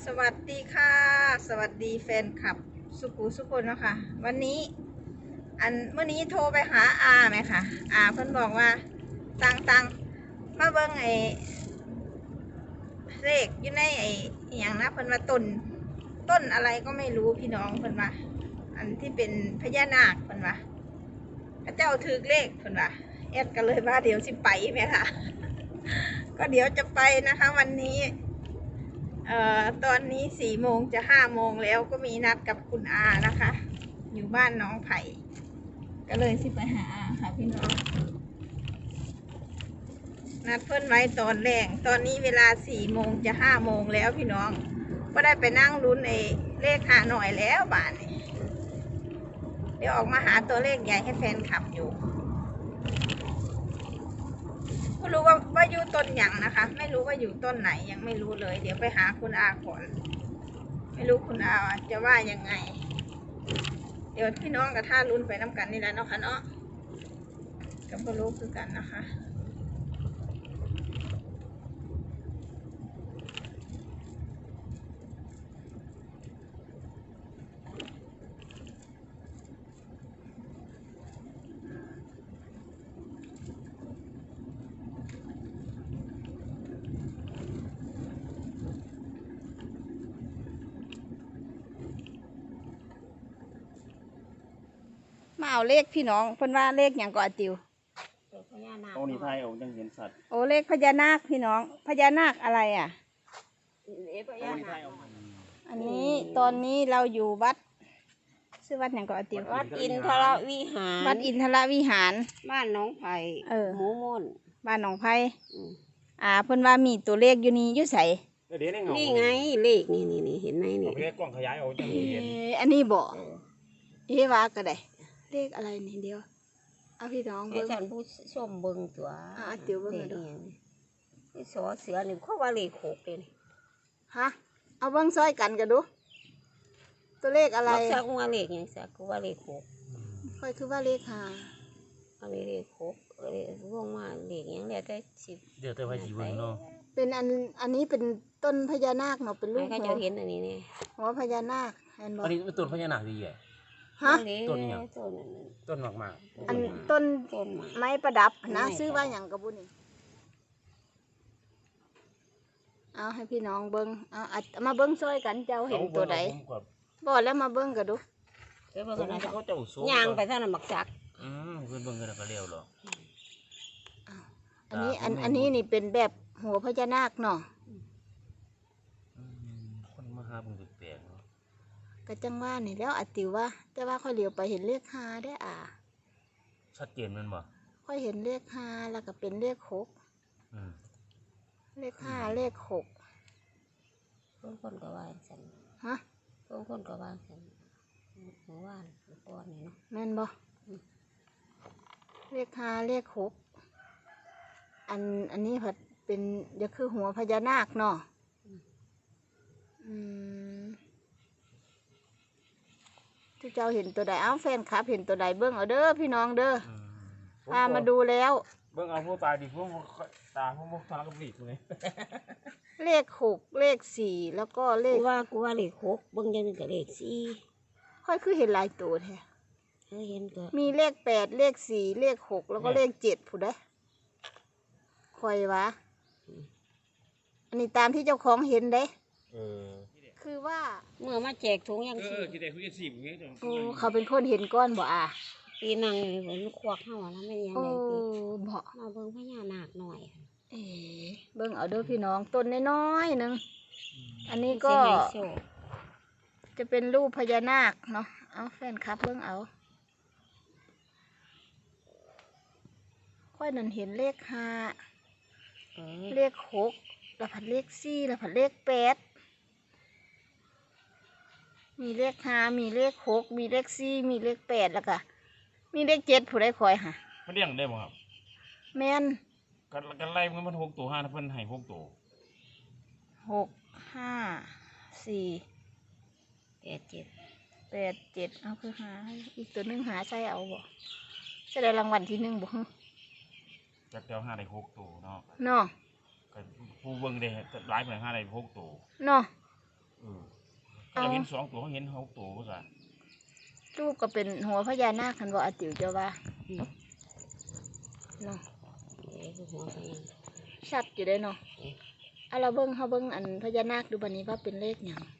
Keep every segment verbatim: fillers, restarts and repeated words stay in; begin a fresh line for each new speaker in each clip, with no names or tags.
สวัสดีค่ะ สวัสดีแฟนคลับสุขุสุคนนะคะวันนี้อันเมื่อนี้โทรไปหาอาไหมคะอาเพิ่นบอกว่าตังตังมาเบิ้งไอ้เลขอยู่ในไอ้อหย่างนะเพิ่นว่าต้นต้นอะไรก็ไม่รู้พี่น้องเพิ่นว่าอันที่เป็นพญานาคเพิ่นว่าพระเจ้าถือเลขเพิ่นว่าแอดก็เลยว่าเดี๋ยวสิไปไหมคะก็เดี๋ยวจะไปนะคะวันนี้เอ่อตอนนี้สี่โมงจะห้าโมงแล้วก็มีนัดกับคุณอานะคะอยู่บ้านน้องไผ่ก็เลยสิไปหาอาค่ะพี่น้องนัดเพิ่นไว้ตอนแรกตอนนี้เวลาสี่โมงจะห้าโมงแล้วพี่น้องก็ได้ไปนั่งลุ้นไอ้เลขหาหน่อยแล้วบ้านนี้เดี๋ยวออกมาหาตัวเลขใหญ่ให้แฟนคลับอยู่ไม่รู้ว่าว่าอยู่ต้นหยังนะคะไม่รู้ว่าอยู่ต้นไหนยังไม่รู้เลยเดี๋ยวไปหาคุณอาก่อนไม่รู้คุณอาจะว่ายังไงเดี๋ยวพี่น้องกับท่าลุ้นไปน้ำกันนี่แหละเนาะค่ะเนาะก็ไม่รู้คือกันนะคะมาเอาเลขพี่น้องเพิ่นว่าเลขอย่างก่อนติว
พญานาค
โอ้นี่ไทยโอ้ยังเห็นสัตว์
โอ้เลขพญานาคพี่น้องพญานาคอะไรอ่ะ
เอพ
โอ้
ญา
นี่ไท
นาย ค
โอ้
อันนี้ตอนนี้เราอยู่วัดชื่อวัดอย่างก่อนติว
วัดอินทรวิหาร
วัดอินทรวิหาร
บ้านหน้องไผ่
เออ
หมูม่น
บ้านหนองไผ่
อืม
อ่าเพิ่นว่ามีตัวเลขอยู่นี่อยู่ไส
เดี๋ยวนี้เงา
นี่ไงเลขนี่นี่นี่เห็นไหมนี่
เอาไปกล้องขยายเอาจะ
เอ
เห็น
ออันนี้บ่
เออ
เอ๊ะว่าก็ได้เลขอะไรนี่เดียวเอาพี่น้อง
ให้
เบิ่ง
ท่านผู้ชมเบิ่งตัว
อ่าติ๋วเบิ่งหน่อย
เล
เด้
ข
อ
นี่นี่สอเสือนี่เขาว่าเลขหกเลยนี่
ฮะเอาเบิ่งซอยกันกันดู ตัวเลขอะไร
มักสักว่าเลขหยังสักก็ว่าเลขหก
ค่อยคือว่าเลขห้า
อันนี้เลขหกเออร่วงมาเลขหยังแล้วแต่สิบ
เดี๋ยวแต่ว่าจีบเนาะ
เป็นอันอันนี้เป็นต้นพญานาคเนาะเป็นรู
ให้
ป
เขา
หั
จะ
ว
เห็นอันนี้นี่
หัวพญานาคเห็นบ่
อันนี้เป็นต้นพญานาคดีใหญ่
ฮะ
ต้นอิหยัง
ต้นนั้น
ต้นมากมาก
อันต้น
ต้นไม้
ไม้ประดับนะ
ไม้
ซื้อว่าอย่างกระบุนี่เอาให้พี่น้องเบิ้งเอาอัดมาเบิ้งซอยกันเจ้าเห็นตัวใดบอกแล้วมาเบิ้งกันดู
เดี๋ยวเบิ่ง
เขา
กันนะ
เขาจะอุศ
ย่างไปเท่านั้นมักจัก
อืมเพื่อนเบิ่งกันก็เร็วหรอก
อันนี้อันอันนี้นี่เป็นแบบหัวพญานาคเนาะ
คนมาหาเบิ่งแปลกๆเนาะ
กระจังว่านี่แล้วอัดติวว่า แต่ว่าค่อยเหลียวไปเห็นเลขห้าได้อ่ะ
ชัดเจนแมันบ่
ค่อยเห็นเลขห้าแล้วก็เป็นเลขหก
อืม
เลขห้าเลขหก
บางคนก็ว่าฉัน
ฮะ
บางคนก็ว่าฉันเมื่อวานเมื่อก่อนนี่เนาะ
แม่นบ่เลขห้าเลขหกอันอันนี้ผัดเป็นจะคือหัวพญานาคเนาะอืมที่เจ้าเห็นตัวใดเอ้าแฟนคลับเห็นตัวใดเบิ้งเอาเด้อพี่น้องเด้อ
อืม
พามาดูแล้ว
เบิ่งเอาผู้ตายดิพวกตาพวกพวกทารกบีกเลย
เลขหกเลขสี่แล้วก็เล
กู
ข
ว่ากูว่าเลขหกเบางอย่างนึงก็เลขสี่
ค่อยคือเห็นหลายตัวแท้
เออเห็นก็
มีเลขแปดเลขสี่เลขหกแล้วก็เลขเจ็ดผู้ใดคอยวะอันนี้ตามที่เจ้าของเห็นเด้
เออ
คือว่า
เมื่อมาแจกถุงยัง
เอ
สี่
อคิดได้คุยกันสิบอย่างเงี้ย
โอ้เขาเป็นคนเห็นก้อนบ่อ่ะ
ปีนังเหมือนควักเข้าแล้วไม่ยัง
โอ้
ไงตี
บ่
มาเบิ่งพญานาคหน่อย
เอ๋เบิ่งเอาเด้อพี่น้องต้นน้อยๆหนึงอันนี้ก็
สิให้โชค
จะเป็นรูปพญานาคเนาะเอาแฟนคลับเบิ่งเอาค่อยนั่นเห็นเลขห้า
เออ
เลขหกแล้วผัดเลขสี่แล้วผัดเลขแปดมีเลขห้ามีเลขหกมีเลขสี่มีเลขแปดแล้วก็มีเลขเจ็ดผู้ใดคอยหะ
มันเลี้ยงได้บ่ครับ
แม่น
กันกันไล่มันมันหกตัวห้าเพิ่นให้หกตัว
หกห้าสี่
แปดเจ็ด
แปดเจ็ดเอาคือหาอีกตัวหนึงหาใช่เอาบ่จะได้รางวัลที่หนึ่งบ่ฮึ
จักเดียวห้าได้หกตัวเนาะ
เนาะ
ก็ผู้เบิ่งได้หลายเพิ่นห้าได้หกตัว
เนาะ
อเออเขาเห็นสองตัวเขาเห็นหกตัวก็ซะ
รูปก็เป็นหัวพญานาคคันบ่อาติ๋วเจ้าว่าเนาะ
เอ้คือหัวพญา
ชัดอยู่เด้เนาะเอาเราเบิ่งเฮาเบิ่งอันพญานาคดูบัดนี้ว่าเป็นเลขหยัง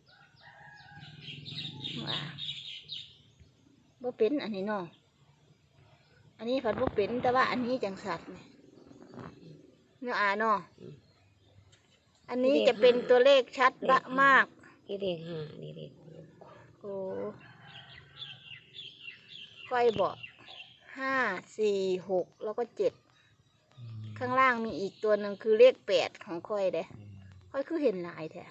ว่าบ่เป็นอันนี้เนาะอันนี้ผัดบ่เป็นแต่ว่าอันนี้จังสัตว์นี่เนาะอ่าเนาะอันนี้จะเป็นตัวเลขชัดบะมาก
นี่เลขห้านี่เลขหก
โอ้ไฟบอกห้าสี่หกแล้วก็เจ็ดข้างล่างมีอีกตัวหนึ่งคือเลขแปดของค่อยเด้ค่อยคือเห็นหลายแท้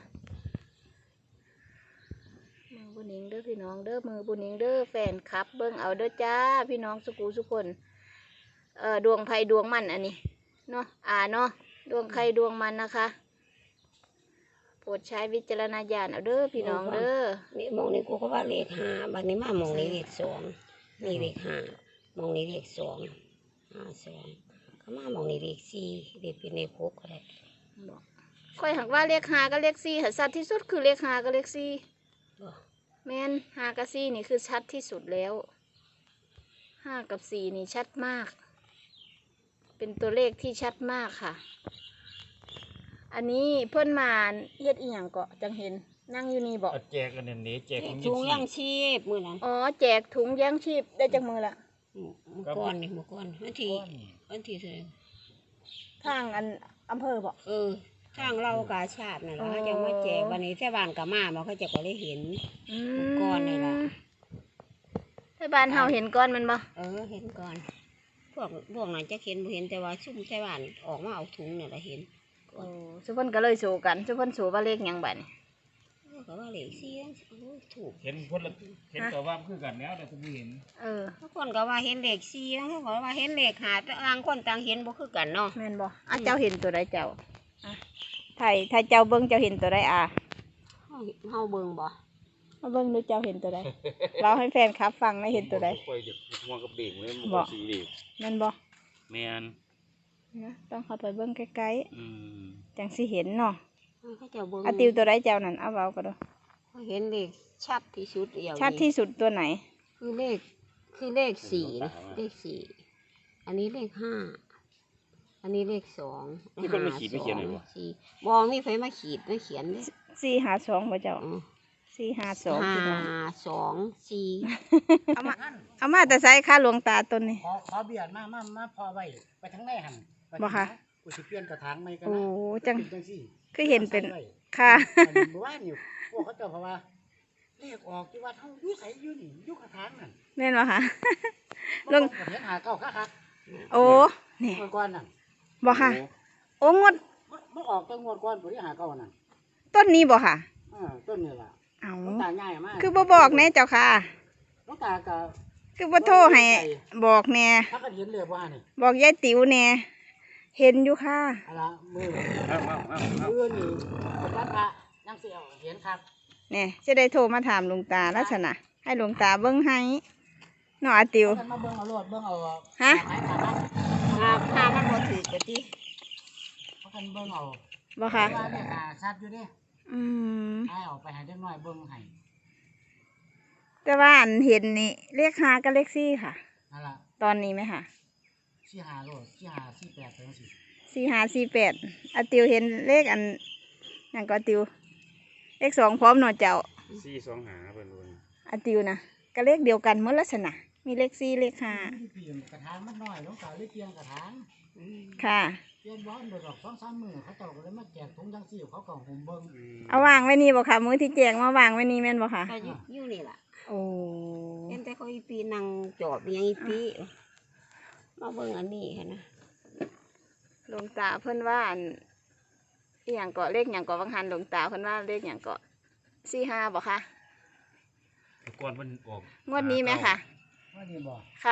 มือบุญนิงเด้อพี่น้องเด้อมือบุญนิงเด้อแฟนครับเบิ้งเอาเด้อจ้าพี่น้องสุกูสุคนเอ่อดวงไพ่ดวงมันอันนี้เนาะอ่าเนาะดวงใครดวงมันนะคะโปรดใช้วิจารณญาณเอาเด้อพี่น้องเด้อ
นี่มองนี่กูก็ว่าเลขห้าบัดนี้มามองนี่เลขสองนี่เลขห้ามองนี่เลขสองห้าสองก็มามองนี่เลขสี่เลขเป็นเลขหกก็ได้
ค่อยหักว่าเลขหากับเลขสี่หัสัตว์ที่สุดคือเลขหากับเลขสี่
บ่
แม่นหากับสี่นี่คือชัดที่สุดแล้วห้ากับสี่นี่ชัดมาก เป็นตัวเลขที่ชัดมากค่ะ อันนี้เพื่อนมาเฮ็ดอีหยังเกาะจังเห็นนั่งอยู่นี่บอก
เอาแจกกันเนี่ยนี่แจกของ
ถุง
ยี่
ยัง
สิบ
ชีพมื้อนั้น
อ๋อแจกถุงยังชีพได้จากมือละ
มื้อก่อนนี่มื้อก่อนวันที่วันที่เท่าไหร่
ทางอันอำเภอบอก
เออทางเรากาชาตินั่น
อ๋
ล่ะ
อ
เขาจะมาแจกวันนี้แท่บ้านก็มาบ่เขาจะก็ได้เห็น
อื
ก้อนนี่ล่ะ
ให้บ้านเฮาเห็นก้อนมันบ่
เออเห็นก่อน พวกพวกนั้นจะเห็นบ่เห็นแต่ว่าซุ่มแท่บ้านออกมาเอาถุงนี่ล่ะเห็น
โอ้สุเพิ่นก็เลยโซกันสุเพิ่นโซว่าเลขหยังบัดนี้
เออก็ว่าเลขสี่นั่นโอ้ยถูก
เห็นคนละเห็นตัวว่ามันคือกันแล้วแต่ผมไม่เห็น
เออ
ทุกคนก็ว่าเห็นเลขสี่บางคนก็ว่าเห็นเลขห้าแต่ต่างคนต่างเห็นบ่คือกันเนาะ
แม่นบ่อ่ะเจ้าเห็นตัวใดเจ้าอ่ะถ้าถ้าเจ้าเบิ่งเจ้าเห็นตัวใดอ่ะ
เฮาเฮาเบิ่งบ่
มาเบิ่งดูเจ้าเห็นตัวใด เราให้แฟนครับฟังได้เห็นตัวใด
ค่อยเด็กมองกับเด็กเลยมัน
บ่
ก็สีเด็ก
แม่นบ่
แมน
นะต้องเข้าไปเบิ่งใกล้
อืม
ๆจังสิเห็นเนาะ
เขาเจ้าเบิ่ง
อะติวตัวใดเจ้านั่นเอาเว้าก็ดู
เขาเห็นเลขชัดที่สุดเดียว
ชัดที่สุดตัวไหน
คือเลขคือเลขสี่นะเลขสี่อันนี้เลขห้าอันนี้เลขสอง
มีคนมาขีดไม่เขียนหน่อย
เล
บ่
ขสี่บ่มีไฟมาขีดมาเขียนเด้
สี่หาสองบ่เจ้า
อ๋อ
สี่หาสอง
ห้า
พี่น้อง
สองสี่
เอามาเอามาแต่ใส่ค่าหลวงตาต้นนี้
ขอขอเบียดมามามาพอไว้ไปทั้งในหันไป
บ่คะ
กูสิเปลี่ยนกระถางใหม่กัน
โอ้
นะ
จัง
เป็นจังซี่
คือเห็นเป็น
ใส่ไว้
ค่ะ
อันนี้เมื่อวานอยู่พวกเขาเจ้าเพราะว่าเลขออกที่ว่าเฮาอยู่ไสอยู่นี่อยู่กระถางนั่น
แม่นบ่คะ ลง
เห็นหาเก้าค่ะครับ
โอ้นี่
เมื่อก่อนนั่น
บ่ค่ะ โอ้งด
มันมันออกแต่งวดก่อนผู้ที่หาเก้านั่น
ต้นนี้บ่ค่ะ
เออต้นนี่ล่ะ
เอา
หลวงตาง่ายมาก
คือบ่บอกแน่เจ้าค่ะ
หลวงตาก็
คือบ่โทรให้บอกแน่
ถ้ากันเห็นเลยว่านี่
บอกยายติ๋วแน่เห็นอยู่ค่ะ
อะล่ะมือ
เอาเอาเอาเอา
มือนี่เป็นพระพระยังสิเอาเห็นครับ
เนี่ยจะได้โทรมาถามหลวงตาลักษณะให้หลวงตาเบิ้งให้เนาะอาติว
เอากันมาเบิ่งเอาโลดเบิ่งเอา
ฮะ
หมายความว่า
ห้าห้ามันบ่ถูกกะติ
เอากันเบิ่งเอา
บ่ค่ะ
ว่าเนี่ยหาชัดอยู่นี่
อืม
ให้ออกไปให้เด็กน้อยเบิ่งให้
แต่ว่าอันเห็นนี่เลขห้ากับเลขสี่ค่ะ
นั่นล่ะ
ตอนนี้ไหมค่ะ
สี่หาโลดสี่หาสี่แปดเป็นสิ
สี่ห้าสี่แปดอาติวเห็นเลขอันนั่นก็อาติว เลขสองพร้อมเนาะเจ้า
สี่สองหาเป็นวัน
อาติวนะก็เลขเดียวกันเมื่อลักษณะมีเลขสี่เลขห้า
ที่เปลี่ยนกระถางมันน้อยหลวงตาเลยเปลี่ยนกระถาง
ค่ะ
เปลี่ยนบ้านเดี๋ยวดอกสองสามมื้อเขาเจ้าก็เลยมาแจกถุงจังซี่เขาก็หุ่มเบิ่ง
เอาวางไว้นี่บ่ค่ะมือที่แจงมาวางไว้นี่แม่นบ่ค่ะ
ก็อยู่อยู่นี่ล่ะ
โอ้
เห็นแต่เขาอีปีนั่งจอบอยังอีปีมาเบิ่งอันนี้ค่ะนะ
หลวงตาเพิ่นว่าอันอหย่างเกาะเลขอย่างเกาะบางหันหลวงตาเพิ่นว่าเลขอย่างเกาะสี่ห้าบ่ค่ะ
แต่ก่อนมันออก
งวดนี้ไหมค่ะ
ว่านี่บ่
ค่ะ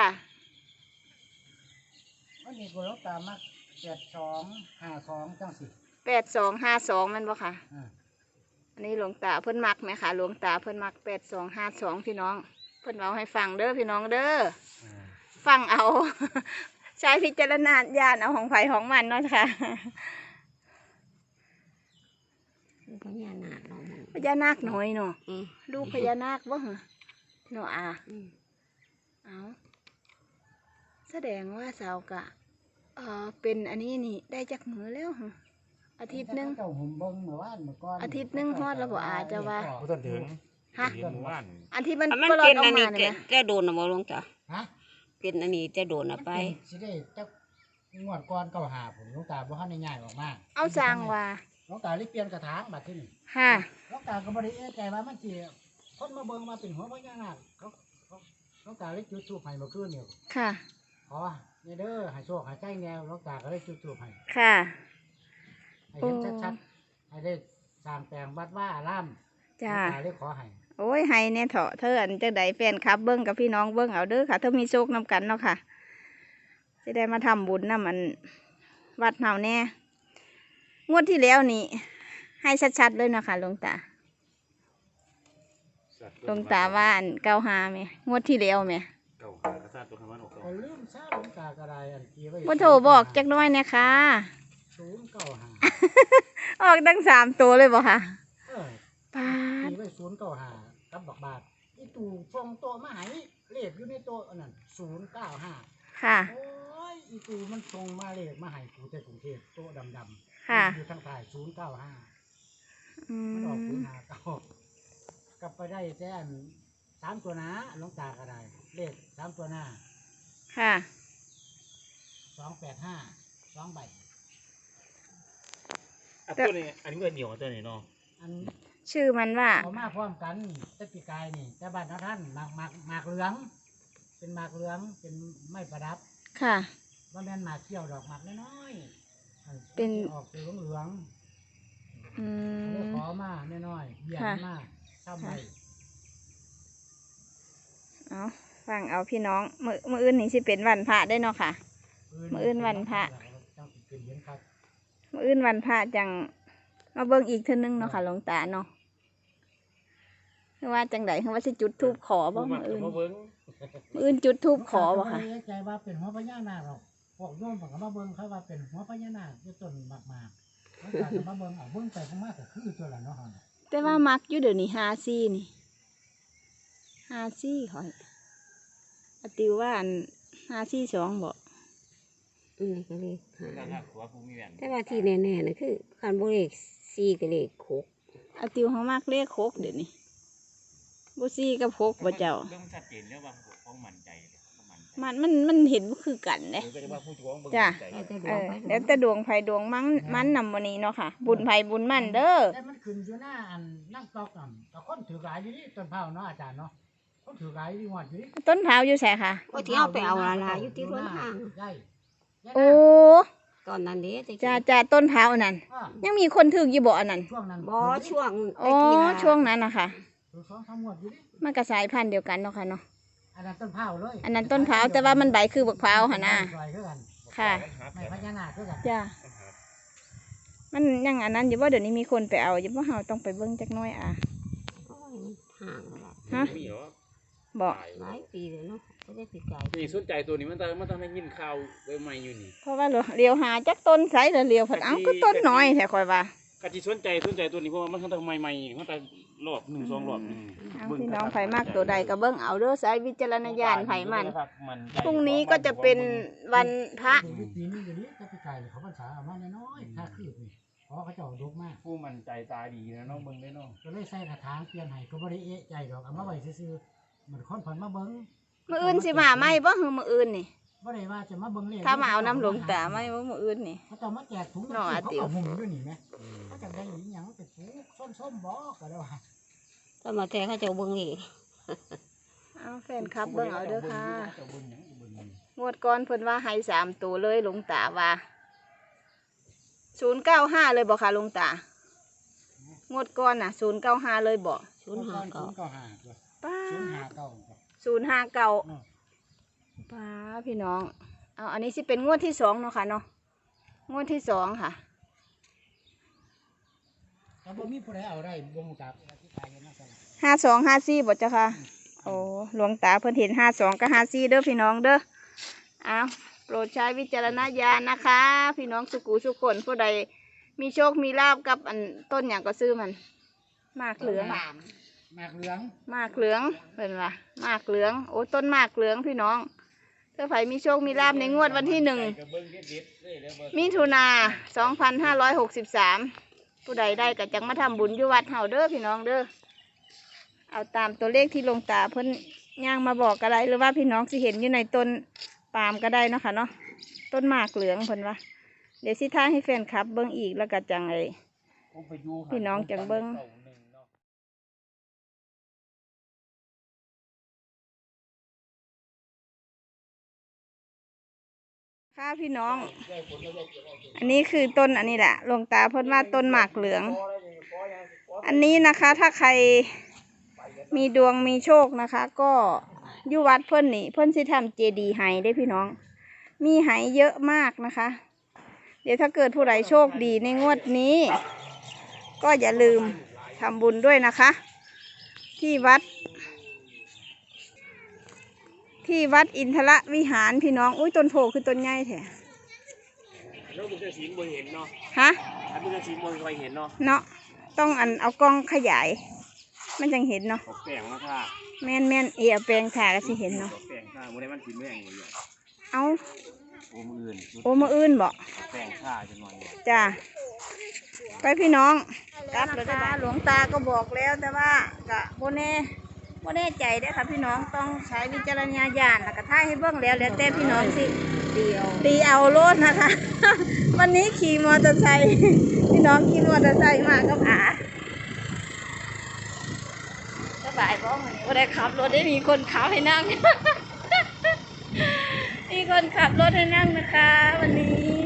ว่านี่ก็หลวงตามักแปดสองห้าสองจังซี่
แปดสองห้าสองมันบ่ค่ะ
อ่า
อันนี้หลวงตาเพิ่นมักไหมคะหลวงตาเพิ่นมักแปดสองห้าสองพี่น้อง เพิ่นเอาให้ฟังเด้อพี่น้องเด้อ
อ่า
ฟังเอา ใช้พิจารณญาณเอาของไผของมันเนาะค่ะ
นคือพญานาคเนาะมึง
พญานาคน้อยเนาะ
อืม
ลูกพญานาคบ่เหรอเนาะอา
อืม
เอาแสดงว่าสาวกะเออเป็นอันนี้นี่ได้จากมือแล้วเหรออาทิตย์หนึง
เจ้าหุ่มเบิ่งเมื่อวานเมื่อก่อน
อาทิตย์หนึ่งฮอดแล้วบ่อาจจะว่า
บ่ทันถึง
ฮะ
เห็นหมู่บ้าน
อันที่มัน
อ่ะมัน
ก็รอ
เป็
ด
น
ออก
อัน
มา
นี้
เนี่ย
แก
นะ
แกโดนนะบ่หลวงตา
ฮะ
เป็นอันนี้จะโดนนะไป
มันเป็นสิได้จักงวดก่อนเก่าหาผมหลวงตาบ่ทันได้ย้ายออกมา
เอาสร้างว่า
หลวงตาเลยเปลี่ยนกระถางบัดที่นี่
ค่ะ
หลวงตาก็บ่ได้เอะใจว่ามันสิคนมาเบิ่งมาเป็นหัวพญานาคเขาเขาหลวงตาเลยจุดธูปให้เมื่อคืนนี่
ค่ะ
ขอเนี่ยเด้อให้โชคให้ใจแนวหลวงตาก็เลยจุดธูปให้
ค่ะ
ให้เห็นชัดๆให้ได้สร้างแปลงวัดว่าอารามหล
จ้า
วงตาเลยขอให้
โอ้ยให้เนี่ยเถาะเธออันจังใดแฟนคลับเบิ้งกับพี่น้องเบิ้งเอาเด้อค่ะเธอมีโชคนำกันเนาะค่ะจะได้มาทำบุญนำมันวัดเฮาแน่งวดที่แล้วนี่ให้ชัดๆเลยเนาะค่ะหลวงตาหลวงตาว่าอันเก้าหาไหมงวดที่แล้วไหม
เก่าหากระซ่าตัวคำว่าออก
ก็ลืมซะหลวงตาก็ได้อันกี่ไว้
ว่าโทรบอกจักหน้อยเนี่ยค่ะ
ศูนย์เก้าห้า
ออกตั้งสามตัวเลยบ่ค่ะ
เออ
ปาด
กี่ไว้ศูนย์เก้าห้ากับบักบาทอีตู่ฟองโตะมาให้เลขอยู่ในโต๊ะอันนั้นศูนย์เก้าห้า
ค่ะ
โอ้ยอีตูมันส่งมาเลขมาให้กูแต่กรุงเทพโต๊ะดำๆ
ค่ะ
อยู่ทางใต้ศูนย์เก้าห้า
อื
มันออกศูน
ม
ย์ห้าเก้ากลับไปได้แค่อันสามตัวหน้าหลวงตาก็ได้ เลขสามตัวหน้า
ค่ะ
สองแปดห้าสองใบ
อ่ะตัวนี้อันนี้ก็เหนียวตัวนี้เนาะ
อัน
ชื่อมันว่า
เอามาพร้อมกันแต่ปีกายนี่แต่บ้านท่านหมากหมากหมากเหลือง เป็นหมากเหลืองเป็นไม้ประดับ
ค่ะ
ว่าแม่นหมากเขี้ยวดอกหมากน้อยๆอั
เป็น
ออกสีเหลือง
อื
ๆเลย
ม
ขอมาน้อยๆเบี้ย
ค่ะ
มาทำไว้
เอาฟังเอาพี่น้องมือมืออื่นนี่สิเป็นวันพระได้เนาะค่ะ มื้ออื่นวันพระ
จังสิเป็นเย็นครับ
มืออื่นวันพระจังมาเบิ่งอีกเท่านึงเนาะค่ะหลวงตาเนาะคือว่าจังไดคือว่าสิจุดธูปขอบ่มืออื่น
มาเบิ้ง
มืออื่นจุดธูปขอบ่ค่ะ
บ่ได้ใจว่าเป็นหัวพญานาคหรอกพวกโยมผมก็มาเบิ่งเขาว่าเป็นหัวพญานาคอยู่ต้นมากมากๆเขาก็มาเบิ่งเอาเบิ่งไปเบิ่งมาก็คือตัวละเนาะเฮาน่ะ
แต่ว่ามักอยู่เดี๋ยวนี้ห้าซี่นี่ห้าซี่ข่อยอาติวว่าอันห้าซี่สองบ่
อืมก็เลยหา
นั่นน่ะหัวผู้มีแหวน
แต่ว่าที่แน่ๆนะคือคันบ่เลขสี่กับเลขหก
อาติวเขามักเลขหกเดี๋ยวนี้บ่ซี่กับหกบ่เจ้า
เรื่องชัดเจนเนี่ยว่าของมันใจมันใจ
มันมันมันเห็นบ่คือกันเด้
ก็จะว่าผู้จ้วงเบิ่ง
จ้ะ
ใจ
แล้วแต่ด
เอ
วง
อ
ไป
แล้วแต่ดวงไผดวงมันมันนำวันนี้เนาะค่ะ บุญไผบุญมันเด้อ
แต่มันขึ้นอยู่หน้าอันนั่งตอกนั่นก็คนถือหลายอยู่นี่ต้นเผาเนาะอาจารย์เนาะคนถือหลายอยู่หอดอยู่นี่
ต้นเท้าวอยู่ไสค่ะ
ก็ที่เอาไปเอาลาลาอยู่ที่รถทาง
ใช่
โอ้
ตอนนั้นเด้ตะกี้
จ้าจ้าต้นเท้าวนั่น
อ่า
ยังมีคนถึกอยู่บ่อันนั้น
ช่วงนั้น
บ่ช่วง
โอ้
ตะกี้ล่ะ
ช่วงนั้นนะคะ
ถือสองสามงวดอยู่นี่
มันก็สายพันธุ์เดียวกันเนาะค่ะเนาะ
อันนั้นต้นเผาเลย
อันนั้นต้นเท้าวแต่ว่ามันใบคือบักพร้าวหั่นน่ะ
ใบคือกัน
ค่ะ
ไม่พญานาคคือกัน
จ้ามันยังอันนั้นอยู่บ่เดี๋ยวนี้มีคนไปเอาอยู่บ่เฮาต้องไปเบิ่งจักหน้อยอ่ะ
โอ้ยห่างแล้วล่ะ
ฮะ
มีเหรอ
บ่
หลายปีเลยเนาะไม่ได้ปีกาย
นี่สนใจตัวนี้มันต้องมันต้องให้ยินข่าวใหม่ๆอยู่นี่
เพราะว่าเลียวหาจักต้นไสแล้วเลียวผัดเอ้าก็ต้นน้อยแท้ค่อยว่า
กะที่สนใจสนใจตัวนี้เพราะว่ามันต้องใหม่ๆมันต้องรอบหนึ่งสองรอบหนึ่ง
เอาพี่น้องไผมากตัวใดก็เบิ่งเอาเด้อสายวิจารณญาณไผมัน
มัน
พรุ่งนี้ก็จะเป็นวันพระ
ปีนี้ปีนี้อยู่นี่ก็ปีกายเขาพรรษาเอามาน้อยๆถ้าคืบนี่เพราะเขาเจ้าดกมาก
ผู้มันใจตาดีนะน้องเบิ่งได้น้อง
ก็เลยใส่กระถางเปลี่ยนให้ก็บ่ได้เอะใจดอกเอามาไว้ซื่อๆเหมือนคนผ่อนมาเบิ่ง
มื้ออื่นสิมาไหมบ่คือมื้ออื่นนี่
บ่ได้ว่าจะมาเบิ่งเลข
ถ้ามาเอาน้ำหลวงตาไหมบ่มื้ออื่นนี่
เขาเจะมาแจกถุง
น้ออา
เขา
ติ๋ว
เอาหุ่มอยู่นี่แหมเขาจะได้อีหยังเป็นถุงส้มๆบ่ก็ได้ว่า
ถ้ามาแต่เขาเจะเบิ่งอีก
เอาแฟนคลับเบิ่งเอาเด้อค่ะ
เจ้าเบิ่งหยังเบิ่งหยัง
งวดก่อนเพิ่นว่าให้สามตัวเลยหลวงตาว่าศูนย์เก้าห้าเลยบ่ค่ะหลวงตางวดก่อนน่ะศูนย์เก้าห้าเลยบ่
ศูนย์ห้า
ศู
เก้าน
ย์เก้าห้าตัว
ป้า
ศูนย์ห้าเก้าตัว
ศูนย์ห้าเก้า
เนาะ
ป้าพี่น้องเอาอันนี้สิเป็นงวดที่สองเนาะค่ะเนาะงวดที่สองค่ะ
แต่บ่มีผู้ใดเอาได้บ่ฮู้จักที่ขายอยู่นั่นซั่นล่ะ
ห้าสองห้าสี่บ่จ้ะค่ะโอ้หลวงตาเพิ่นเห็นห้าสองกับห้าสี่เด้อพี่น้องเด้อเอาโปรดใช้วิจารณญาณนะคะ พี่น้องสุกูสุคนผู้ใดมีโชคมีลาบกับอันต้นอย่างก็ซื้อมันมากเหลือง
หมากเหลือง
มากเหลืองเป็นว่ามากเหลืองโอ้ต้นมากเหลืองพี่น้องถ้าไผมีโชคมีลาบในงวดวันที่หนึ่งมิถุนาสองพันห้าร้อยหกสิบสามผู้ใดได้ก็จังมาทำบุญอยู่วัดเฮาเด้อพี่น้องเด้อเอาตามตัวเลขที่หลวงตาเพิ่นย่างมาบอกก็ได้หรือว่าพี่น้องสิเห็นอยู่ในต้นปาล์มก็ได้เนาะค่ะเนาะต้นมากเหลืองเพิ่นว่าเดี๋ยวสิท่าให้แฟนคลับเบิ่งอีกแล้วก็จังไอพี่น้องจังเบิ่งค่ะพี่น้อง อันนี้คือต้นอันนี้แหละหลวงตาเพิ่นว่าต้นหมากเหลือง อันนี้นะคะถ้าใครมีดวงมีโชคนะคะ ก็อยู่วัดเพิ่นนี่เพิ่นสิทำเจดีย์ไห้ได้พี่น้อง มีไห้เยอะมากนะคะ เดี๋ยวถ้าเกิดผู้ใดโชคดีในงวดนี้ ก็อย่าลืมทำบุญด้วยนะคะ ที่วัด ที่วัดอินทรวิหารพี่น้องอุ้ยต้นโพคือต้นใหญ่แท้
แล้วบุญศีลบ่เห็นเนาะ
ฮะ
ถ้าบุญศีลบ่เคยเห็นเนาะ
เนาะต้องอันเอากล้องขยาย มันจังเห็นเนาะ
ออกแป้งมาค่ะ
แม่นแม่นเอเอาแปลงถ่าก็สิเห็นเนาะ
ออกแป้งค่ะบ่ได้มันสิแม่งเลย
เอา
โอ้มืออื่น
โอ้มาอื่นบ่
ออกแป้งค่ะจังหน่อย
จ้าไปพี่น้องกลับแล้วนะคะหลวงตาก็บอกแล้วแต่ว่ากะโบแน่โบแน่ใจได้อค่ะพี่น้องต้องใช้วิจารณญาณแล้วก็ท่ายให้เบิ่งแล้วแล้วแต่พี่น้องสิตีเอาตีเอาโลดนะคะ วันนี้ขี่มอเตอร์ไซค์พี่น้องขี่มอเตอร์ไซค์มากับอาสบายบ้องวันนี้ได้ขับรถได้มีคนขับให้นั่ง มีคนขับรถให้นั่งนะคะ วันนี้